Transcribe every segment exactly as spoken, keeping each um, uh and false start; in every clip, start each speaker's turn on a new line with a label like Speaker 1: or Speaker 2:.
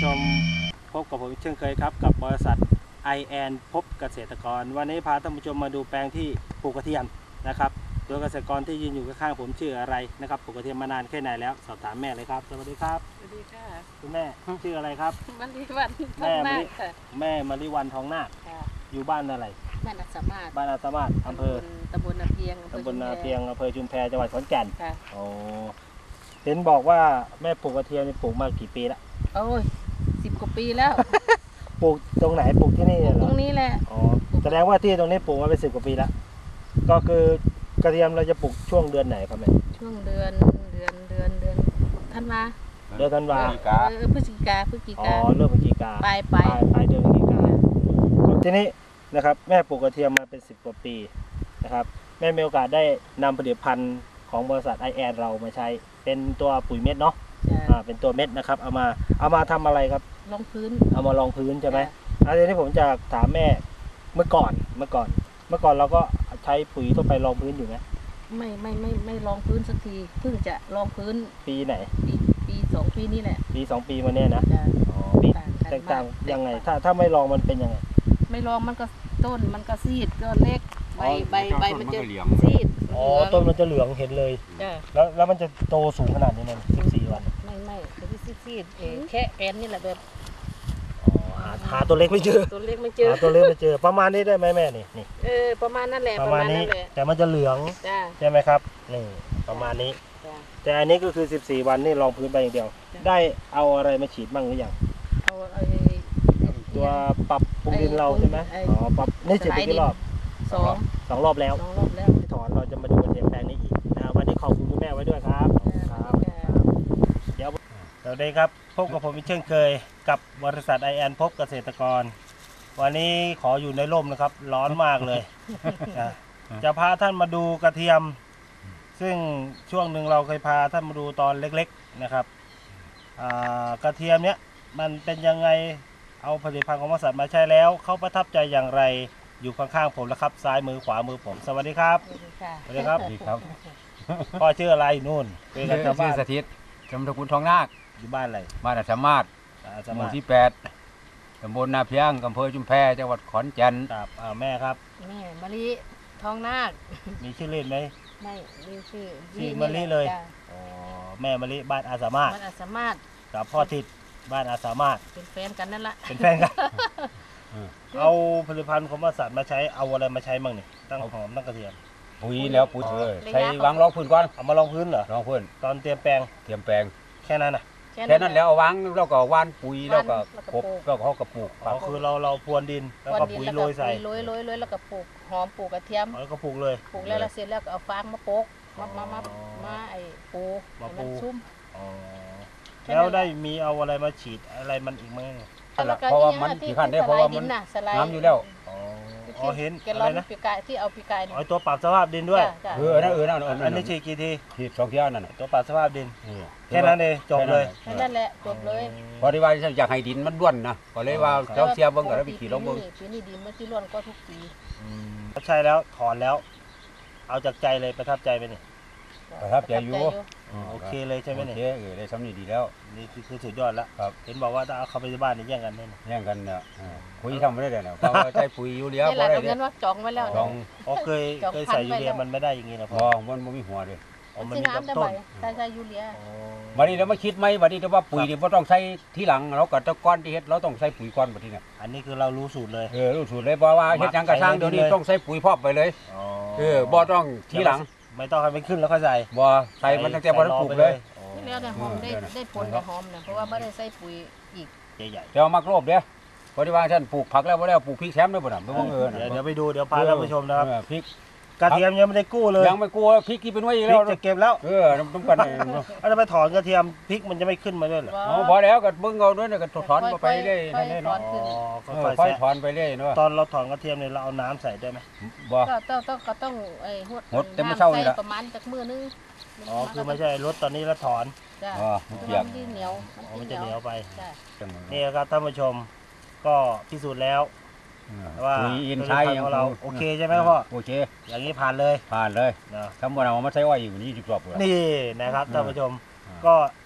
Speaker 1: ชมพบกับผมเช่นเคยครับกับบริษัท ไอ แอน พบเกษตรกรวันนี้พาท่านผู้ชมมาดูแปลงที่ปลูกกระเทียมนะครับโดยเกษตรกรที่ยืนอยู่ข้างๆผมชื่ออะไรนะครับปลูกกระเทียมมานานแค่ไหนแล้วสอบถามแม่เลยครับสวัสดีครับ
Speaker 2: สวัสดีค่ะ
Speaker 1: คุณแม่ชื่ออะไรครับ
Speaker 2: มะลิวันทองนาคค่ะ
Speaker 1: แม่มะลิวันทองนาคอยู่บ้านอะไร
Speaker 2: บ้านอัศมาศ
Speaker 1: บ้านอัศมาศอำเภอ
Speaker 2: ตำบลนาเพียง
Speaker 1: ตำบลนาเพียงอำเภอชุมแพจังหวัดขอนแก่น
Speaker 2: ค่ะ
Speaker 1: โอ้เห็นบอกว่าแม่ปลูกกระเทียมปลูกมากี่ปีละ
Speaker 2: โอ้ยสิบกว่าปีแล้ว
Speaker 1: ปลูกตรงไหนปลูกที่นี่เหรอ
Speaker 2: ตรงนี้แหละ
Speaker 1: อ๋อแสดงว่าที่ตรงนี้ปลูกมาเป็นสิบกว่าปีแล้วก็คือกระเทียมเราจะปลูกช่วงเดือนไหนครับแม่
Speaker 2: ช่วงเดือนเดือนเดือนเดือนธันวา
Speaker 1: เดือนธันวา
Speaker 2: เออพฤศจิกาพฤศจิกา
Speaker 1: อ๋อเริ่มพฤศจิกา
Speaker 2: ปลายปลาย
Speaker 1: ปลายเดือนพฤศจิกาทีนี้นะครับแม่ปลูกกระเทียมมาเป็นสิบกว่าปีนะครับแม่มีโอกาสได้นำผลิตภัณฑ์ของบริษัท ไอ แอน เรามาใช้เป็นตัวปุ๋ยเม็ดเนาะอ่าเป็นตัวเม็ดนะครับเอามาเอามาทำอะไรครับ
Speaker 2: รองพื้น
Speaker 1: เอามาลองพื้นใช่ไหมอันนี้ผมจะถามแม่เมื่อก่อนเมื่อก่อนเมื่อก่อนเราก็ใช้ปุ๋ยทั่วไปรองพื้นอยู่ไหม
Speaker 2: ไม่ไม่ไม่ไม่รองพื้นสักทีเพิ่งจะรองพื้น
Speaker 1: ปีไหน
Speaker 2: ปีปีสองปีนี้แหละ
Speaker 1: ปีสองปีมาเนี้ยนะอ๋อปีแตกต่างยังไงถ้าถ้าไม่ลองมันเป็นยังไง
Speaker 2: ไม่ลองมันก็ต้นมันก็ซีดก็เล็กใบใบใบมันจะซีด
Speaker 1: อ๋อต้นมันจะเหลืองเห็นเลยแล้วแล้วมันจะโตสูงขนาดนี้เลยสิบสี่วัน
Speaker 2: ไม่ไม่แต่ที่ซีดซีดเองแค่แอนนี่แหละแบบ
Speaker 1: หาหาตัวเล็กไม่เจอ
Speaker 2: ตัวเล็กไม่เจอ
Speaker 1: หาตัวเล็กไม่เจอประมาณนี้ได้ไหมแม่นี่นี่
Speaker 2: เออประมาณนั่นแหละ
Speaker 1: ประมาณนี้แต่มันจะเหลืองใช่ไหมครับนี่ประมาณนี้แต่อันนี้ก็คือสิบสี่วันนี่ลองพื้นไปอย่างเดียวได้เอาอะไรมาฉีดบ้างหรือยัง
Speaker 2: เอาไอ้
Speaker 1: ตัวปรับปรุงดินเราใช่ไหมอ๋อปรับนี่ฉีดไปกี่รอบ
Speaker 2: สอง
Speaker 1: สองรอบแล้ว
Speaker 2: สองรอบแล้ว
Speaker 1: ที่ถอนเราจะมาดูกระเทียมแปลงนี้อีกนะวันนี้ขอบคุณคุณแม่ไว้ด้วยครับครับเดี๋ยวสวัสดีครับพบกับผมอีกเช่นเคยกับบริษัท ไอ แอน พบเกษตรกรวันนี้ขออยู่ในร่มนะครับร้อนมากเลยจะพาท่านมาดูกระเทียมซึ่งช่วงหนึ่งเราเคยพาท่านมาดูตอนเล็กๆนะครับกระเทียมเนี้ยมันเป็นยังไงเอาผลิตภัณฑ์ของบริษัทมาใช้แล้วเขาประทับใจอย่างไรอยู่ข้างๆผมแล้วครับซ้ายมือขวามือผมสวัสดีครับสวัสดีครับสวัสดีครับพ่อชื่ออะไรนู่น
Speaker 3: เป็นกันชาวบ้านสถิตจำตระกูลทองนาค
Speaker 1: อยู่บ้านอะไร
Speaker 3: บ้านอัศมาศหมู่ที่แปดตำบลนาเพียงอำเภอชุมแพจังหวัดขอนแก่น
Speaker 1: ครับแม่ครับ
Speaker 2: แม่มะลิทองนาค
Speaker 1: มีชื่อเล่นไหม
Speaker 2: ไม่มีชื่อ
Speaker 1: ชื่อมะลิเลยอ๋อแม่มะลิบ้านอาสามารถ
Speaker 2: บ้านอาสามารถ
Speaker 1: กับพ่อทิศบ้านอาสามารถ
Speaker 2: เป็นแฟนกันนั่นแหละ
Speaker 1: เป็นแฟนกันเอาผลิตภัณฑ์ของบริษัทมาใช้เอาอะไรมาใช้บ้างนี่ตั้งหอมตั้งกระเทียม
Speaker 3: ปุ๋ยแล้วปุ๋ยเออใช้วางรองพื้นก่อน
Speaker 1: เอามาลองพื้นเหรอ
Speaker 3: รองพื้น
Speaker 1: ตอนเตรียมแปลง
Speaker 3: เตรียมแปลง
Speaker 1: แค่นั้นน่ะ
Speaker 3: แค่นั้นแล้วเอาวางแล้วก็ว่านปุ๋ยแล้วก็ปลูกแล้วก็เขากระปลูก
Speaker 1: อ๋อคือเราเราพรวนดินแล้วก็ปุ๋ยโรยใส่
Speaker 2: โรยโรยโรยแล้วก็ปลูกหอมปลูกกระเทียม
Speaker 1: แล้วก็ปลูกเลย
Speaker 2: ปลูกแล้วเสร็จแล้วก็เอาฟางมาโปกมามามามาไอ้ปู
Speaker 1: มาปู
Speaker 2: ชุ่ม
Speaker 1: อ๋อแล้วได้มีเอาอะไรมาฉีดอะไรมันอีกไหม
Speaker 3: เพราะว่ามันที่ขั้นได้เพราะว่ามันน้ำอยู่แล้ว
Speaker 1: อ๋อเห็นอะไรนะ
Speaker 2: ปีกายที่เอาปีกาย
Speaker 1: อ๋อตัวปรับสภาพดินด้วย
Speaker 3: เออนั่นเออนั่น
Speaker 1: อันนี้ฉีดกี่ที
Speaker 3: ฉีดสองเที่ยวนั่น
Speaker 1: ตัวปรับสภาพดินแค่นั้นเองจบเลย
Speaker 2: แค่นั้นแหละจบเลย
Speaker 3: พอที่ว่าอยากให้ดินมันร่วนนะก็เลยว่าเจ้าเสียเบิ้งก็ได้ไปขี่ลงเบิ้ง
Speaker 2: ปีนี้ดินมันที่ร่วนก็ทุกปี
Speaker 1: ใช่แล้วถอนแล้วเอาจากใจเลยประทับใจไหมนี่
Speaker 3: ประทับใจอยู่
Speaker 1: โอเคเลยใช่ไหมเนี่ย
Speaker 3: โอเคเออได้สำนีดีแล้ว
Speaker 1: นี่คือสุดยอดแล้วครับเห็นบอกว่าถ้าเอาเข้าไปที่บ้านนี่แย่งกันได้
Speaker 3: แย่งกันเนี่ยปุ๋ยทำไม่ได้เลยเนี่ยเพราะว่าใช้ปุ๋ยยูเรีย
Speaker 2: ไม่ได้เนี่ยว่าจองไว้แล้ว
Speaker 3: จอง
Speaker 1: อ๋อเคยเคยใส่ยูเรียมันไม่ได้อย่างนี้นะพ่
Speaker 3: อมันไม่มีหัวเลย
Speaker 1: อ๋อมันมีแต่ต้น
Speaker 2: ใส่ใส่ยูเรีย
Speaker 3: วันนี้เราไม่คิดไหมวันนี้เราว่าปุ๋ยนี่เราต้องใช้ที่หลังเราก็ตะก้อนที่เฮ็ดเราต้องใช้ปุ๋ยก้อนแบบนี้เนี่ย
Speaker 1: อันนี้คือเรารู้สูตรเลย
Speaker 3: เออรู้สูตรเลยเพราะว่าเฮ็ดยังกระช่างเดี๋ยวนี้ต้องใช้ปุ๋ยพอกไปเลยเออบ่ต้องที่หลัง
Speaker 1: ไม่ต้องให้มันขึ้นแล้วค่อยใส่
Speaker 3: บ่ใส่มันตั้งแต่บ่ได้ปลูกเลย
Speaker 2: นี่แล้วแต่หอมได้ได้ผลแต่หอมเนี่ยเพราะว่าไม่ได้ใส่ปุ๋ยอีก
Speaker 1: ใหญ่
Speaker 3: ๆเดี๋ยวมักโลบเด้อพอที่ว่าท่านปลูกผักแล้วบ่ได้ปลูกพริกแซมด้วยบ่น่ะไม่ว่าเออ
Speaker 1: เดี๋ยวไปดูเดี๋ยวพาท่านผู้ชมนะครับ
Speaker 3: พริก
Speaker 1: กระเทียมยังไม่ได้กู้เลย
Speaker 3: ยังไม่กู้พริกที่เป็นไว้อยู่แล้ว
Speaker 1: จะเก็บแล้ว
Speaker 3: เออต้องกัน
Speaker 1: เอาจะไปถอนกระเทียมพริกมันจะไม่ขึ้นมาด้วยเหรอ
Speaker 3: อ๋อพอแล้วก็เบิ่งเอาด้วยก็ถอนไปเรื่อยนั่นเนาะ
Speaker 1: อ๋อค่อย
Speaker 3: ถอนไปเรื่อยเนาะ
Speaker 1: ตอนเราถอนกระเทียมเนี่ยเราเอาน้ำใส่ได้ไหม
Speaker 3: บ่
Speaker 2: ก็ต้องต้องก็ต้องไอ้หด
Speaker 3: หดแต่ไม่เช่านี่ละ
Speaker 2: ประมาณจากมือนึง
Speaker 1: อ๋อคือไม่ใช่รถตอนนี้แล้วถอน
Speaker 3: อ๋อมันเปียก
Speaker 2: มันเหนียว
Speaker 1: มันจะเหนียวไปนี่ครับท่านผู้ชมก็พิสูจน์แล้วว่า
Speaker 3: ปุ๋ยอินทรีย์
Speaker 1: ของเราโอเคใช่ไหมพ่อ
Speaker 3: โอเค
Speaker 1: อย่างนี้ผ่านเลย
Speaker 3: ผ่านเลยนะถ้ามันเอามาใช้ว่าอยู่นี่สิบรอบเลย
Speaker 1: นี่นะครับท่านผู้ชมก็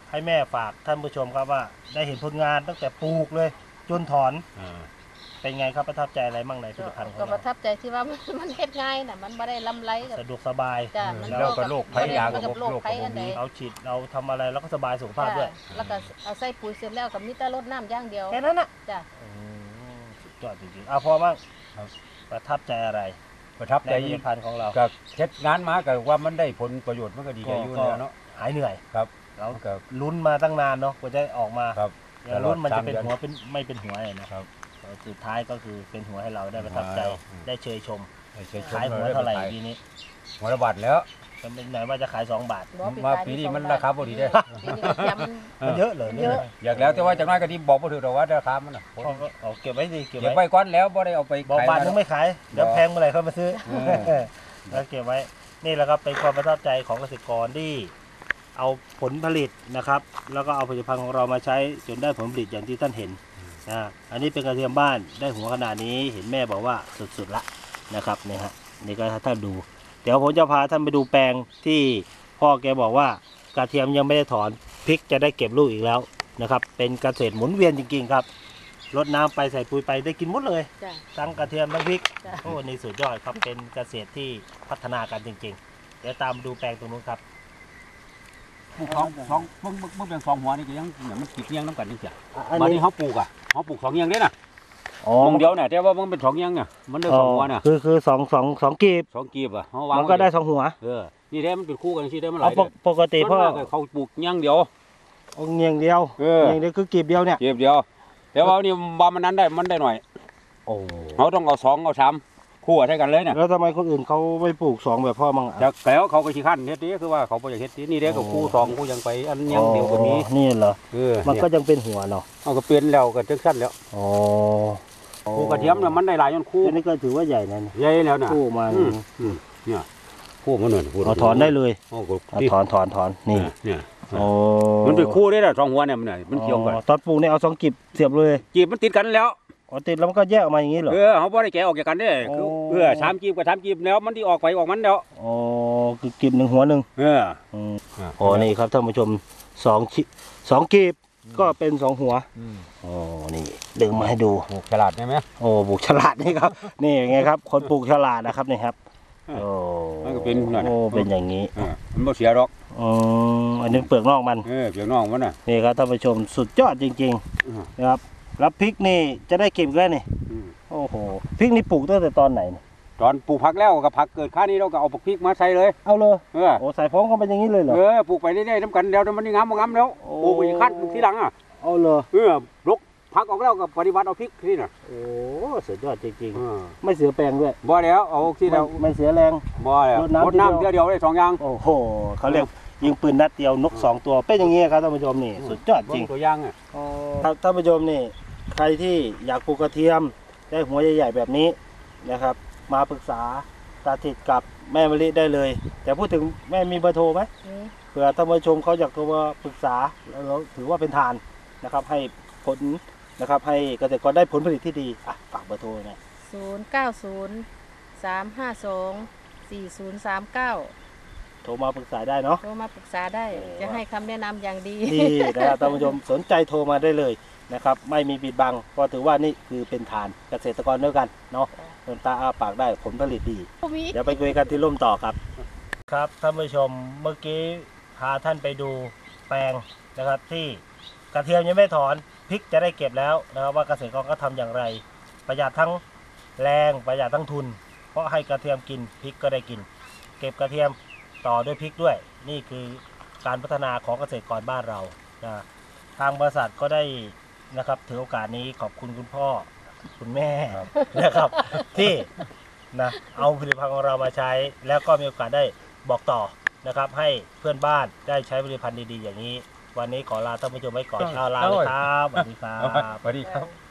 Speaker 1: ให้แม่ฝากท่านผู้ชมครับว่าได้เห็นผลงานตั้งแต่ปลูกเลยจนถอน
Speaker 3: อ่า
Speaker 1: เป็นไงครับประทับใจอะไรบ้างในผลิตภัณฑ์ของ
Speaker 2: ก็ป
Speaker 1: เรา
Speaker 2: ระทับใจที่ว่ามันมันเฮ็ดง่ายน่ะมันบ่ได้ลำไรกับ
Speaker 1: สะดวกสบาย
Speaker 2: จ้ะ
Speaker 3: เออ
Speaker 2: มัน
Speaker 3: แล้วก็โรคภัยยา
Speaker 2: มัน
Speaker 3: ก็
Speaker 2: กับโรค
Speaker 3: โรค
Speaker 2: ภัย
Speaker 3: ก็
Speaker 2: อัน
Speaker 3: บ่
Speaker 2: ใด
Speaker 3: มี
Speaker 1: เราฉีดเราทำอะไรแล้วก็สบายสุขภาพด้วย
Speaker 2: จ้ะแล้วก็เอาใส่ปุ๋ยเสร็จแล้วกับมีแต่รดน้ำอย่างเดียว
Speaker 1: แค่นั้นน่ะ
Speaker 2: จ้ะ
Speaker 1: อืมสุดยอดจริงๆเอาพอบ้าง
Speaker 3: ครับ
Speaker 1: ประทับใจอะไร
Speaker 3: ประทับ
Speaker 1: ใน
Speaker 3: ใจ
Speaker 1: ผลิตภัณฑ์ของเรา
Speaker 3: ก็เฮ็ดงานมาก็ว่ามันได้ผลประโยชน์มันก็ดีใจอยู่แล้วเนาะ
Speaker 1: หายเหนื่อย
Speaker 3: ครับ
Speaker 1: เรา
Speaker 3: มันก็
Speaker 1: ลุ้นมาตั้งนานเนาะกว่าจะออกมา
Speaker 3: ครับ
Speaker 1: อย่างลุ้นมันจะเป็น
Speaker 3: ตลอด
Speaker 1: หัว
Speaker 3: สามเดือน
Speaker 1: เป็นไม่เป็นหัวเลยนะครับ สุดท้ายก็คือเป็นหัวให้เราได้ประทับใจ
Speaker 3: อืม
Speaker 1: ได้เชยชม
Speaker 3: ให้เชิญชม
Speaker 1: ขายหัวเท่าไหร่ปีนี้
Speaker 3: หัวละบาทแล้ว
Speaker 1: ก็เป็นไหนว่าจะขายสองบาท
Speaker 2: บ่
Speaker 3: ว่า
Speaker 2: ขย
Speaker 3: ปีนี้
Speaker 2: สอง
Speaker 3: มัน
Speaker 2: บท
Speaker 3: ราคาบ่ดีเด้
Speaker 2: ปีนี้ก็ยำมัน
Speaker 1: มันเยอะเลย
Speaker 2: เยอะ
Speaker 3: อยากแล้วแต่ว่าจังน้อยก็ที่บอกบ่ถูกดอกว่าราคามันน่ะ
Speaker 1: พ่อก็เอาเก็บไว้สิเก็บ
Speaker 3: เก็บ
Speaker 1: ไว้
Speaker 3: ไว้ก่อนแล้วบ่ได้เอาไป
Speaker 1: บอก
Speaker 3: ขาย
Speaker 1: บาทนึงไม่ขายเดี๋ยวแพงเมื่อไหร่ค่อยมาซื้อ
Speaker 3: อืม
Speaker 1: แล้วเก็บไว้นี่แหละครับเป็นความประทับใจของเกษตรกรที่เอาผลผลิตนะครับ แล้วก็เอาผลิตภัณฑ์ของเรามาใช้จนได้ผลผลิตอย่างที่ท่านเห็นนะอันนี้เป็นกระเทียมบ้านได้หัวขนาดนี้เห็นแม่บอกว่าสุดๆละนะครับเนี่ยฮะนี่ก็ให้ท่านดู เดี๋ยวผมจะพาท่านไปดูแปลงที่พ่อแกบอกว่ากระเทียมยังไม่ได้ถอนพริกจะได้เก็บลูกอีกแล้วนะครับเป็นเกษตรหมุนเวียนจริงๆครับรดน้ำไปใส่ปุ๋ยไปได้กินหมดเลย
Speaker 2: จ้ะ
Speaker 1: ทั้งกระเทียมทั้งพริก
Speaker 2: จ้ะ
Speaker 1: โอ้นี่สุดยอดครับเป็นเกษตรที่พัฒนากันจริงๆ เดี๋ยวตามดูแปลงตรงนู้นครับ
Speaker 3: ปลูกสองสองเบิ่งเบิ่งเบิ่งเป็นสองหัวนี่ก็ยังอย่างมันติดเงี้ยงน้ำกันจังซี่
Speaker 1: อัน
Speaker 3: บัด
Speaker 1: นี้
Speaker 3: นี้เฮาปลูกอ่ะเฮาปลูกสองเงี้ยงเด้น่ะ
Speaker 1: อ๋อ
Speaker 3: มงเดียวเนี่ยแต่ว่ามันเป็นสองเงี้ยงอ่ะมันได้สองหัวน่ะ
Speaker 1: คือคือสองสองสองกีบ
Speaker 3: สองกีบอ่ะเฮาวาง
Speaker 1: มันก็ได้สองหัว
Speaker 3: เออนี่แท้มันเป็นคู่กันสิได้มันห
Speaker 1: เอา
Speaker 3: ลาย
Speaker 1: ปกปกติพ่อ
Speaker 3: ส่วนมากเขาปลูกเงี้ยงเดียว
Speaker 1: เอาเงียงเดียว
Speaker 3: เออ
Speaker 1: เงียงเดียวคือกีบเดียวเนี่ย
Speaker 3: กีบเดียว แต่ว่านี่บ่มันนั้นได้มันได้หน่อย
Speaker 1: โอ้
Speaker 3: เขาต้องเอาสองเอาสามคู่ให้กันเลยเนี่ย
Speaker 1: แล้วทำไมคนอื่นเขาไม่ปลูกสองแบบพ่อมั่งอะ
Speaker 3: จากแล้วเขาก็ขี้ขั้นเฮ็ดนี้คือว่าเขาบ่อยากเฮ็ดนี้นี่เด้ก็คู่สองคู่ยังไปอันเงี้ยงเดียวก็มี
Speaker 1: อ๋อนี่เหรอ
Speaker 3: เออ
Speaker 1: มันก็ยังเป็นหัวเนาะ
Speaker 3: เอาก็เปลี่ยนแล้วก็จังซั่นแล้ว
Speaker 1: อ๋อ
Speaker 3: คู่กระเทียมน่ะมันได้หลายจนคู่
Speaker 1: อันนี้ก็ถือว่าใหญ่นะนี่
Speaker 3: ใหญ่แล้วน่ะ
Speaker 1: คู่มา
Speaker 3: อืมอืมเนี่ยคู่มันนั่นคู่
Speaker 1: เอาถอนได้เลย
Speaker 3: โอ้ก็
Speaker 1: เอา
Speaker 3: ที่
Speaker 1: ถอนถอนถอนนี่
Speaker 3: เนี่ย
Speaker 1: โอ้
Speaker 3: มันเป็นคู่ได้ล่ะสองหัวเนี่ยมันน่ะมันเกี่ยวกัน
Speaker 1: อ๋อตอนปลูกเนี่ยเอาสองกีบเสียบเลย
Speaker 3: จีบมันติดกันแล้ว
Speaker 1: อ๋อติดแล้วมันก็แยกออกมาอย่างนี้เหรอ
Speaker 3: เออเขาบ่ได้แกะออกจากกันเด้คือ
Speaker 1: โอ้
Speaker 3: เออสามจีบกับสามจีบแล้วมันที่ออกไปออกมันแล้ว
Speaker 1: อ๋อคือกีบหนึ่งหัวหนึ่ง
Speaker 3: เออ
Speaker 1: อืมโอ้นี่ครับท่านผู้ชมสองชิสองกีบก็เป็นสองหัว
Speaker 3: อืม
Speaker 1: โอ้นี่ดึงมาให้ดู
Speaker 3: ปลูกฉลาดได้ไหม
Speaker 1: โอ้ปลูกฉลาดนี่ครับ นี่ไงครับ คนปลูกฉลาดนะครับนี่ครับโอ้
Speaker 3: มันก็เป็นนั่น
Speaker 1: โอ้เป็นอย่างนี้
Speaker 3: เออมันบ่เสียหรอก
Speaker 1: อืมอันนี้เปลือกนอกมัน
Speaker 3: เออเปียกน้องมันน่ะ
Speaker 1: นี่ครับท่านผู้ชมสุดยอดจริง
Speaker 3: อืม
Speaker 1: ๆนะครับแล้วพริกนี่จะได้เก็บอีกแล้วนี่
Speaker 3: อืม
Speaker 1: โอ้โหพริกนี่ปลูกตั้งแต่ตอนไหนนี่
Speaker 3: ตอนปลูกผักแล้วก็ผักเกิดค่านี้เราก็เอาพริกมาใส่เลย
Speaker 1: เอาเลย
Speaker 3: เออ
Speaker 1: โอ้ใส่พร้อมกันเป็นอย่างนี้เลยเหรอ
Speaker 3: เออปลูกไปเรื่อยๆน้ำกันเดี๋ยวมันนี่งามบ่งามแล้ว
Speaker 1: โอ้
Speaker 3: ปลูกไปอีกขั้นทีหลังอ่ะ
Speaker 1: เอาเลย
Speaker 3: เออลกผักออกแล้วก็ปฏิบัติเอาพริกที่น่ะ
Speaker 1: โอ้สุดยอดจริง
Speaker 3: เออ
Speaker 1: ๆไม่เสียแปลงด้วย
Speaker 3: บ่แล้วเอาที่แล้ว
Speaker 1: ไม่ไม่เสียแรง
Speaker 3: บ่แล้ว
Speaker 1: รดน้ำ
Speaker 3: รดน้ำเดียวเดียวได้สองอย่าง
Speaker 1: โอ้โหเขาเรียกยิงปืนนัดเดียวนกสองตัวเป็นอย่างนี้ครับท่านผู้ชมนี่สุดยอดจริง
Speaker 3: เบิ่ตัวอย่างอ่ะ
Speaker 1: ครับท่านผู้ชมนี่ใครที่อยากปลูกกระเทียมได้หัวใหญ่ๆแบบนี้นะครับ มาปรึกษาตาถิดกับแม่มะลิได้เลย แต่พูดถึงแม่มีเบอร์โทรไหม
Speaker 2: นี่
Speaker 1: เผื่อท่านผู้ชมเขาอยากโทรมาปรึกษาแล้วเราถือว่าเป็นทานนะครับ ให้ผลนะครับ ให้เกษตรกรได้ผลผลิตที่ดีอ่ะฝากเบอร์โทรหน่อย
Speaker 2: ศูนย์เก้าศูนย์สามห้าสองสี่ศูนย์สามเก้า
Speaker 1: โทรมาปรึกษาได้เนาะ
Speaker 2: โทรมาปรึกษาได้
Speaker 1: โอ้
Speaker 2: จะให้คำแนะนำอย่างดี
Speaker 1: ดีนะครับท่านผู้ชมสนใจโทรมาได้เลยนะครับ ไม่มีปิดบังเพราะถือว่านี่คือเป็นฐานเกษตรกรด้วยกันเนาะเติมตาอ้าปากได้ผลผลิตดี
Speaker 2: มี
Speaker 1: เดี๋ยวไปคุยกันที่ร่มต่อครับ ครับท่านผู้ชมเมื่อกี้พาท่านไปดูแปลงนะครับ ที่กระเทียมยังไม่ถอนพริกจะได้เก็บแล้วนะครับว่าเกษตรกรก็ทำอย่างไร ประหยัดทั้งแรงประหยัดทั้งทุน เพราะให้กระเทียมกินพริกก็ได้กิน เก็บกระเทียมต่อด้วยพริกด้วย นี่คือการพัฒนาของเกษตรกรบ้านเรานะทางบริษัทก็ได้นะครับถือโอกาสนี้ขอบคุณคุณพ่อคุณแม่นะครับ ที่นะเอาผลิตภัณฑ์ของเรามาใช้ แล้วก็มีโอกาสได้บอกต่อนะครับ ให้เพื่อนบ้านได้ใช้ผลิตภัณฑ์ดีๆอย่างนี้ วันนี้ขอลาท่านผู้ชมไว้ก่อนเอาลาเลยครับสวัสดีครับ
Speaker 3: สวัสดีครับ